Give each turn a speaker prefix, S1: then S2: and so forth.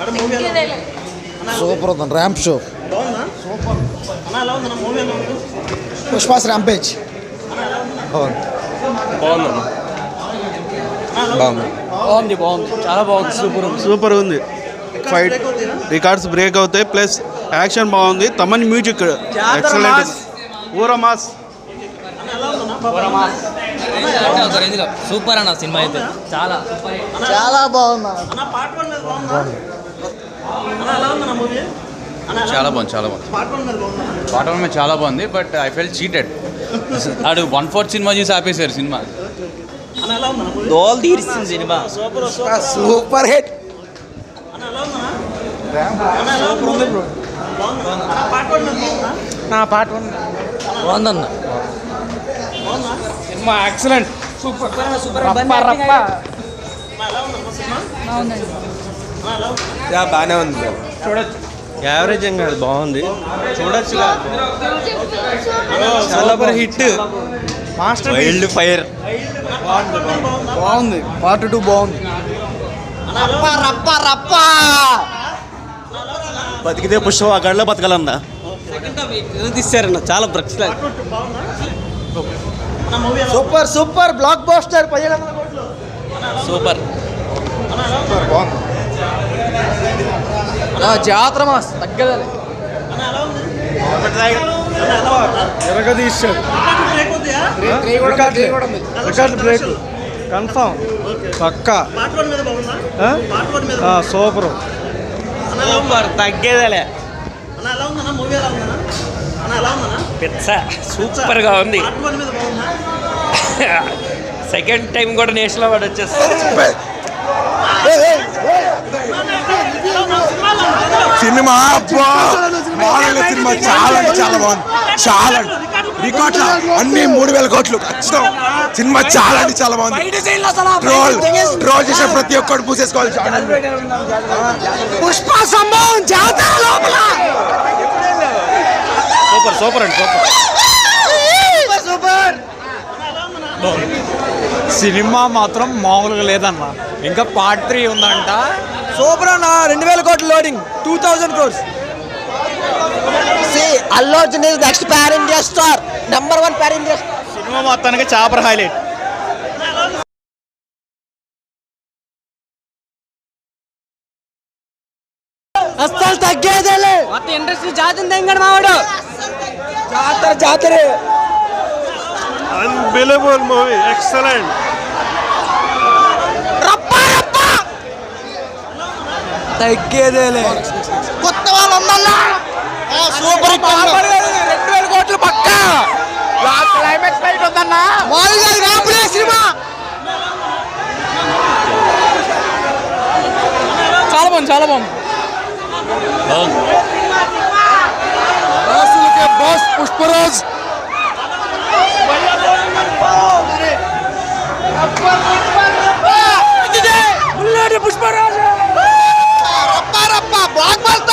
S1: Super ఉంది ramp show. పుష్పాస్ rampage
S2: బాగుంది చాలా బాగుంది.
S3: సూపర్ ఉంది. ఫైట్ రికార్డ్స్ బ్రేక్ అవుతాయి. ప్లస్ యాక్షన్ బాగుంది. Thaman music excellent. ఊరా మాస్.
S2: సూపర్ అన్న సినిమా అయితే చాలా
S1: బాగుంది.
S4: చాలా బాగుంది. పార్ట్ 1 చాలా బాగుంది. But I felt cheated. ఆడు 1/4 సినిమా చూసి ఆపేశారు సినిమా.
S2: దోల్ తీరిస్తుంది సినిమా.
S1: Super hit.
S2: బాగుందన్న
S5: సినిమా ఎక్సలెంట్.
S2: సూపర్
S3: బాగానే ఉంది. చూడొచ్చు. యావరేజ్ ఏం కాదు, బాగుంది. చూడొచ్చు. Super hit. Master wildfire
S1: బాగుంది. పార్ట్ 2 బాగుంది.
S3: బతికితే పుష్ప ఆ గడిలో బతకాలన్నా.
S2: తీసారన్న చాలా బ్రక్స్.
S1: Super blockbuster.
S2: సూపర్
S5: జాతర మాస్ తగ్గదలే.
S3: ఎరగదీశాడు. రికార్డ్ బ్రేక్ కన్ఫామ్ పక్కా. సూపర్
S2: తగ్గేదలే. పిచ్చ సూపర్ గా ఉంది. సెకండ్ టైం కూడా నేషనల్ అవార్డు వచ్చేస్తుంది.
S6: సినిమా సినిమా చాలా బాగుంది. చాలా రికార్డ్ అన్ని 3,000 కోట్లు ఖచ్చితం. సినిమా చాలా బాగుంది. ట్రోల్ చేసే ప్రతి ఒక్కరు పూసేసుకోవాలి.
S1: పుష్ప సంభవం జాతర లోపల
S3: సూపర్ అండి. సూపర్.
S5: సినిమా మాత్రం మామూలుగా లేదన్న. ఇంకా పార్ట్ 3 ఉందంట.
S1: సూపర్ అన్న. 2,000 కోట్లు loading. 2,000 crores. Allu Arjun is next pan India star. Number 1 pan India.
S3: సినిమా మొత్తానికి చాపర్ హైలైట్.
S1: అస్సలు తగ్గేదేలే.
S2: మొత్తం ఇండస్ట్రీ జాతిని తెంగడు మావాడు.
S1: జాతరే.
S3: Unbelievable movie. ఎక్సలెంట్.
S1: తగ్గేదేలే. కొత్త వాళ్ళు ఉండాలా. సూపర్. 2,000 కోట్లు పక్కా.
S5: క్లైమాక్స్ ఫైట్ ఉందన్న.
S1: సినిమా
S5: చాలా బాగుంది.
S1: Boss Pushparaj. Pushparaj block boss.